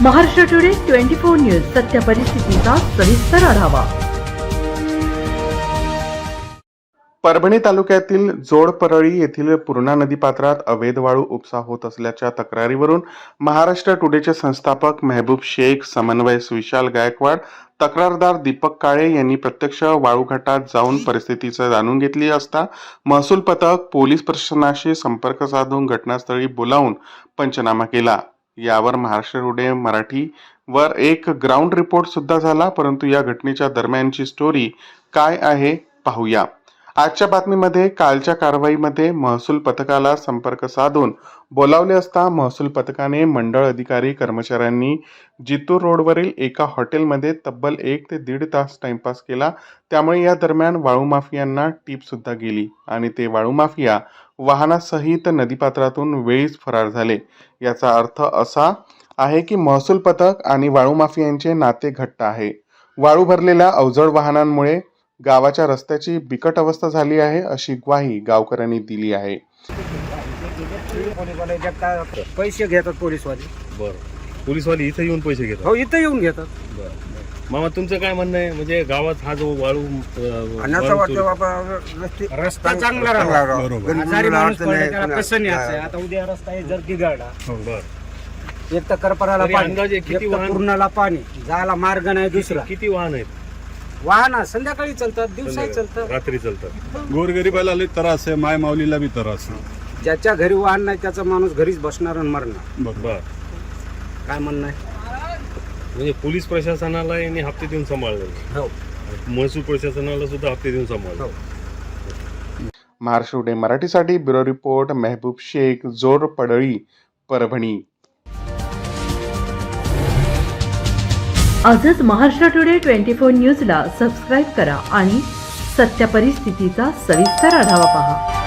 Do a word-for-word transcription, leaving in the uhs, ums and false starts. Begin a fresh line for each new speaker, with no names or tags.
Maharashtra today twenty four news सत्य परिस्थितीचा सविस्तर आढावा।
परभणी तालुक्यातील जोडपरळी येथील पूर्णा नदीपात्रात अवैध वाळू उपसा होत असल्याच्या तक्रारीवरून महाराष्ट्र टुडेचे संस्थापक मेहबूब शेख, समन्वयक विशाल गायकवाड, तक्रारदार दीपक काळे यांनी प्रत्यक्ष वाळू घाटात जाऊन परिस्थितीचं जाणून घेतली असता महसूल पथक पोलीस प्रशासनाशी संपर्क साधून घटनास्थळी बोलावून पंचनामा केला। यावर महाराष्ट्र टुडे मराठी वर एक ग्राउंड रिपोर्ट सुद्धा झाला, परंतु या घटनेच्या दरम्यानची स्टोरी काय आहे पाहूया। आजच्या बातमीमध्ये कालच्या कारवाईमध्ये महसूल पथकाला संपर्क साधून बोलावले असता महसूल पथकाने मंडळ अधिकारी कर्मचाऱ्यांनी जितूर रोडवरील एका हॉटेलमध्ये तब्बल एक ते दीड तास टाइमपास केला। त्यामुळे या दरम्यान वाळू माफियांना टीप सुद्धा गेली आणि ते वाळू माफिया वाहनासहित नदीपात्रातून वेळीच फरार झाले। याचा अर्थ असा आहे की महसूल पथक आणि वाळू माफियांचे नाते घट्ट आहे। वाळू भरलेल्या अवजड वाहनांमुळे गावाच्या रस्त्याची बिकट अवस्था झाली आहे, अशी ग्वाही गावकऱ्यांनी दिली आहे।
पैसे घेतात पोलीसवाले।
बरं, पोलीसवाले इथे येऊन पैसे घेतात?
हो, इथे येऊन घेतात।
बरं, मामा तुमचं काय म्हणणं आहे? म्हणजे गावात हा जो वाळू
अन्नाचा वाटतं बाबा, रस्ता चांगला राहावा, आजारी माणूस पडला त्याला कसं न्यायचं? आता उद्या रस्ता आहे जर बिघडला,
बरं,
एक तर करपराला
तरी
पाणी,
अंदाजे किती
एक तर
वाहन?
पूर्णाला पाणी, जायला मार्ग नाही दुसरा।
किती वाहन आहेत?
वाहन संध्याकाळी चालतात, दिवसाही चालतात,
रात्री चालतात।
गोरगरीबाला लई त्रास आहे, माय माऊलीला बी त्रास आहे।
ज्याच्या घरी वाहन नाही त्याचा माणूस घरीच बसणार आणि मरणार।
बरं,
काय म्हणणं आहे?
म्हणजे पोलीस प्रशासनाला यांनी हप्ते देऊन सांभाळलं,
हो,
महसूल प्रशासनाला सुद्धा हप्ते देऊन सांभाळलं।
हो।
महाराष्ट्र टुडे मराठीसाठी ब्युरो रिपोर्ट मेहबूब शेख, जोडपरळी, परभणी।
आजच महाराष्ट्र टुडे ट्वेंटी फोर न्यूजला सबस्क्राईब करा आणि सत्य परिस्थितीचा सविस्तर आढावा पहा।